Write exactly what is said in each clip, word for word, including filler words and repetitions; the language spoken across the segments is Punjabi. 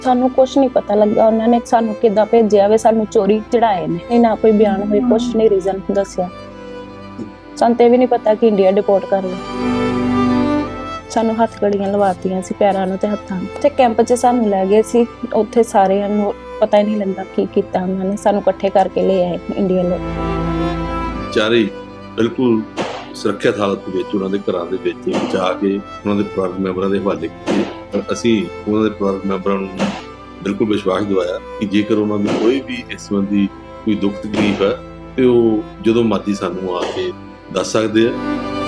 ਸਾਨੂੰ ਕੁਛ ਨਹੀਂ ਪਤਾ ਲੱਗਾ ਉਹਨਾਂ ਨੇ ਸਾਨੂੰ ਕਿੱਦਾਂ ਭੇਜਿਆ ਵੇ, ਸਾਨੂੰ ਚੋਰੀ ਚੜਾਏ ਨੇ। ਇਹ ਨਾ ਕੋਈ ਬਿਆਨ ਹੋਏ, ਕੁਛ ਨਹੀਂ ਰੀਜ਼ਨ ਦੱਸਿਆ। ਸਾਨੂੰ ਤੇ ਵੀ ਨਹੀਂ ਪਤਾ ਕਿ ਇੰਡੀਆ ਡਿਪੋਰਟ ਕਰ ਲਏ। ਸਾਨੂੰ ਹੱਥ ਗੜੀਆਂ ਲਵਾਤੀਆਂ ਸੀ ਪੈਰਾਂ ਨੂੰ ਤੇ ਹੱਥਾਂ ਨੂੰ। ਤੇ ਕੈਂਪ 'ਚ ਸਾਨੂੰ ਲੈ ਗਏ ਸੀ, ਉੱਥੇ ਸਾਰਿਆਂ ਨੂੰ ਪਤਾ ਹੀ ਨਹੀਂ ਲੱਗਾ ਕੀ ਕੀਤਾ ਉਹਨਾਂ ਨੇ। ਸਾਨੂੰ ਇਕੱਠੇ ਕਰਕੇ ਲੈ ਆਏ ਇੰਡੀਆ ਲੋਕ। ਚਾਰੇ ਬਿਲਕੁਲ ਸੁਰੱਖਿਅਤ ਹਾਲਤ ਵਿੱਚ ਉਹਨਾਂ ਦੇ ਘਰਾਂ ਦੇ ਵਿੱਚ ਜਾ ਕੇ ਉਹਨਾਂ ਦੇ ਪਰਿਵਾਰਕ ਮੈਂਬਰਾਂ ਦੇ ਹਵਾਲੇ ਕੀਤੇ। ਪਰ ਅਸੀਂ ਉਹਨਾਂ ਦੇ ਪਰਿਵਾਰਕ ਮੈਂਬਰਾਂ ਨੂੰ ਬਿਲਕੁਲ ਵਿਸ਼ਵਾਸ ਦਿਵਾਇਆ ਕਿ ਜੇਕਰ ਉਹਨਾਂ ਨੂੰ ਕੋਈ ਵੀ ਇਸ ਸੰਬੰਧੀ ਕੋਈ ਦੁੱਖ ਤਕਲੀਫ ਹੈ ਤੇ ਉਹ ਜਦੋਂ ਮਰਜ਼ੀ ਸਾਨੂੰ ਆ ਕੇ ਦੱਸ ਸਕਦੇ ਆ।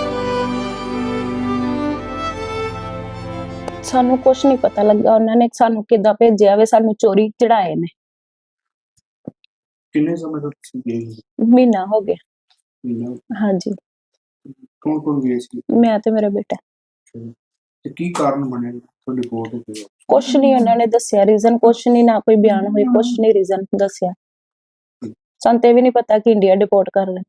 ਸਾਨੂੰ ਕੁਛ ਨਹੀਂ ਪਤਾ ਲੱਗਾ ਉਹਨਾਂ ਨੇ ਸਾਨੂੰ ਕਿੱਦਾਂ ਭੇਜਿਆ ਵੇ, ਸਾਨੂੰ ਚੋਰੀ ਚੜਾਏ ਨੇ। ਕਿੰਨੇ ਸਮੇਂ ਤੋਂ ਤੁਸੀਂ ਗਏ? ਮਹੀਨਾ ਹੋ ਗਿਆ। ਮਹੀਨਾ? ਹਾਂਜੀ। ਕੌਣ ਕੌਣ ਗਏ ਸੀ? ਮੈਂ ਤੇ ਮੇਰਾ ਬੇਟਾ। ਤੇ ਕੀ ਕਾਰਨ ਬਣਿਆ ਤੁਹਾਡੀ ਰਿਪੋਰਟ ਤੇ? ਕੁਛ ਨਹੀਂ ਉਹਨਾਂ ਨੇ ਦੱਸਿਆ ਰੀਜ਼ਨ, ਕੁਛ ਨਹੀਂ, ਨਾ ਕੋਈ ਬਿਆਨ ਹੋਏ, ਕੁਛ ਨਹੀਂ ਰੀਜ਼ਨ ਦੱਸਿਆ। ਸਾਨੂੰ ਤੇ ਵੀ ਨਹੀਂ ਪਤਾ ਕਿ ਇੰਡੀਆ ਡਿਪੋਰਟ ਕਰ ਲਏ।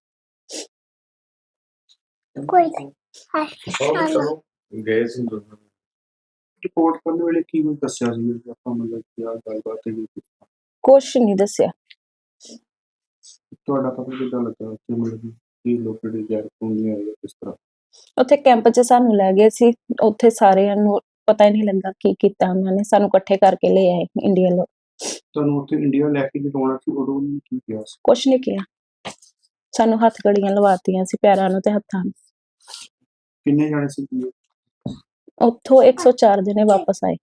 ਕੋਈ ਚਲੋ ਗਏ ਸੀ ਰਿਪੋਰਟ ਕਰਨ ਵੇਲੇ ਕੀ ਕੁਝ ਦੱਸਿਆ ਸੀ ਆਪਾਂ, ਮਤਲਬ ਕੀ ਆ ਗੱਲਬਾਤ ਹੈ? ਕੁਛ ਨਹੀਂ ਦੱਸਿਆ। ਤੁਹਾਡਾ ਪਤਾ ਕਿੱਦਾਂ ਲੱਗਾ ਕਿ ਮਤਲਬ ਕੀ ਲੋਕਾਂ ਦੀ ਜ਼ਹਿਰ ਖੂਨੀ ਆਈ ਹੈ, ਕਿਸ ਤਰ੍ਹਾਂ? ਉੱਥੇ ਕੈਂਪ 'ਚ ਸਾਨੂੰ ਲੈ ਗਏ ਸੀ, ਉੱਥੇ ਸਾਰਿਆਂ ਨੂੰ ਪਤਾ ਹੀ ਨਹੀਂ ਲੱਗਾ ਕੀ ਕੀਤਾ ਉਹਨਾਂ ਨੇ। ਸਾਨੂੰ ਇਕੱਠੇ ਕਰਕੇ ਲੈ ਆਏ ਇੰਡੀਆ ਲੋਕ। ਤੁਹਾਨੂੰ ਉੱਥੇ ਇੰਡੀਆ ਲੈ ਕੇ ਜਦੋਂ ਸੀ ਉਦੋਂ ਉਹਨੇ ਕੀ ਕਿਹਾ ਸੀ? ਕੁਛ ਨਹੀਂ ਕਿਹਾ। ਸਾਨੂੰ ਹੱਥ ਗੜੀਆਂ ਲਵਾਤੀਆਂ ਸੀ ਪੈਰਾਂ ਨੂੰ ਤੇ ਹੱਥਾਂ ਨੂੰ। ਕਿੰਨੇ ਜਾਣੇ ਸੀ? ਉੱਥੋਂ ਇੱਕ ਸੌ ਚਾਰ ਜਣੇ ਵਾਪਸ ਆਏ।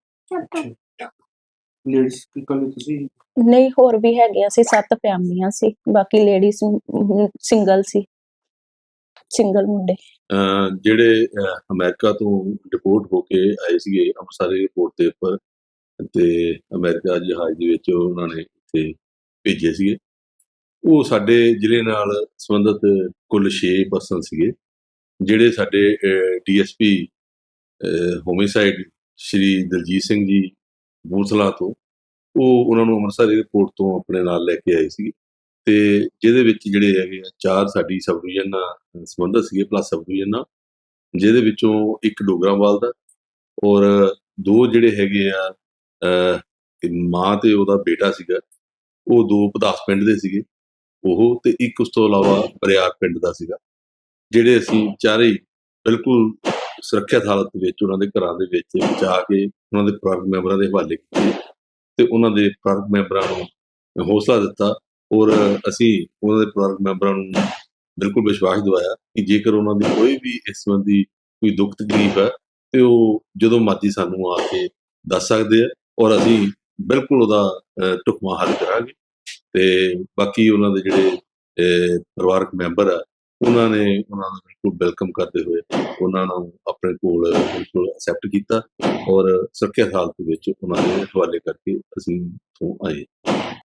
ਲੇਡੀਜ਼ ਇਕੱਲੇ ਤੁਸੀਂ? ਨਹੀਂ, ਹੋਰ ਵੀ ਹੈਗੇ ਸੀ, ਸੱਤ ਫੈਮਲੀਆਂ ਸੀ, ਬਾਕੀ ਲੇਡੀਜ਼ ਸਿੰਗਲ ਸੀ, ਸਿੰਗਲ ਮੁੰਡੇ। ਜਿਹੜੇ ਅਮਰੀਕਾ ਤੋਂ ਡਿਪੋਰਟ ਹੋ ਕੇ ਆਏ ਸੀਗੇ ਅੰਮ੍ਰਿਤਸਰ ਏਅਰਪੋਰਟ ਦੇ ਉੱਪਰ, ਤੇ ਅਮਰੀਕਾ ਜਹਾਜ਼ ਦੇ ਵਿੱਚ ਉਹਨਾਂ ਨੇ ਇੱਥੇ ਭੇਜੇ ਸੀਗੇ। ਉਹ ਸਾਡੇ ਜ਼ਿਲ੍ਹੇ ਨਾਲ ਸੰਬੰਧਿਤ ਕੁੱਲ ਛੇ ਪਰਸਨ ਸੀਗੇ, ਜਿਹੜੇ ਸਾਡੇ D S P homicide Shri Daljit Singh ji Boothla ਤੋਂ, ਉਹ ਉਹਨਾਂ ਨੂੰ ਅੰਮ੍ਰਿਤਸਰ ਏਅਰਪੋਰਟ ਤੋਂ ਆਪਣੇ ਨਾਲ ਲੈ ਕੇ ਆਏ ਸੀ। ਤੇ ਜਿਹਦੇ ਵਿੱਚ ਜਿਹੜੇ ਹੈਗੇ ਆ ਚਾਰ ਸਾਡੀ ਸਬ ਡਿਵੀਜ਼ਨ ਨਾਲ ਸੰਬੰਧਿਤ ਸੀਗੇ, ਪਲੱਸ ਸਬ ਡਿਵੀਜ਼ਨ ਨਾਲ, ਜਿਹਦੇ ਵਿੱਚੋਂ ਇੱਕ ਡੋਗਰਾਵਾਲ ਦਾ, ਔਰ ਦੋ ਜਿਹੜੇ ਹੈਗੇ ਆ ਮਾਂ ਤੇ ਉਹਦਾ ਬੇਟਾ ਸੀਗਾ, ਉਹ ਦੋ ਪਦਾਸ ਪਿੰਡ ਦੇ ਸੀਗੇ ਉਹ, ਤੇ ਇੱਕ ਉਸ ਤੋਂ ਇਲਾਵਾ ਬਰਿਆਰ ਪਿੰਡ ਦਾ ਸੀਗਾ। ਜਿਹੜੇ ਅਸੀਂ ਚਾਰੇ ਬਿਲਕੁਲ ਸੁਰੱਖਿਅਤ ਹਾਲਤ ਵਿੱਚ ਉਹਨਾਂ ਦੇ ਘਰਾਂ ਦੇ ਵਿੱਚ ਜਾ ਕੇ ਉਹਨਾਂ ਦੇ ਪਰਿਵਾਰਕ ਮੈਂਬਰਾਂ ਦੇ ਹਵਾਲੇ ਕੀਤੇ ਤੇ ਉਹਨਾਂ ਦੇ ਪਰਿਵਾਰਕ ਮੈਂਬਰਾਂ ਨੂੰ ਹੌਸਲਾ ਦਿੱਤਾ। ਔਰ ਅਸੀਂ ਉਹਨਾਂ ਦੇ ਪਰਿਵਾਰਕ ਮੈਂਬਰਾਂ ਨੂੰ ਬਿਲਕੁਲ ਵਿਸ਼ਵਾਸ ਦਿਵਾਇਆ ਕਿ ਜੇਕਰ ਉਹਨਾਂ ਦੀ ਕੋਈ ਵੀ ਇਸ ਸੰਬੰਧੀ ਕੋਈ ਦੁੱਖ ਤਕਲੀਫ ਹੈ ਤੇ ਉਹ ਜਦੋਂ ਮਰਜ਼ੀ ਸਾਨੂੰ ਆ ਕੇ ਦੱਸ ਸਕਦੇ ਆ, ਔਰ ਅਸੀਂ ਬਿਲਕੁਲ ਉਹਦਾ ਢੁਕਵਾਂ ਹੱਲ ਕਰਾਂਗੇ। ਤੇ ਬਾਕੀ ਉਹਨਾਂ ਦੇ ਜਿਹੜੇ ਪਰਿਵਾਰਕ ਮੈਂਬਰ ਆ, ਉਹਨਾਂ ਨੇ ਉਹਨਾਂ ਨੂੰ ਬਿਲਕੁਲ ਵੈਲਕਮ ਕਰਦੇ ਹੋਏ ਉਹਨਾਂ ਨੂੰ ਆਪਣੇ ਕੋਲ ਬਿਲਕੁਲ ਐਕਸੈਪਟ ਕੀਤਾ, ਔਰ ਸੁਰੱਖਿਅਤ ਹਾਲਤ ਵਿੱਚ ਉਹਨਾਂ ਦੇ ਹਵਾਲੇ ਕਰਕੇ ਅਸੀਂ ਇੱਥੋਂ ਆਏ।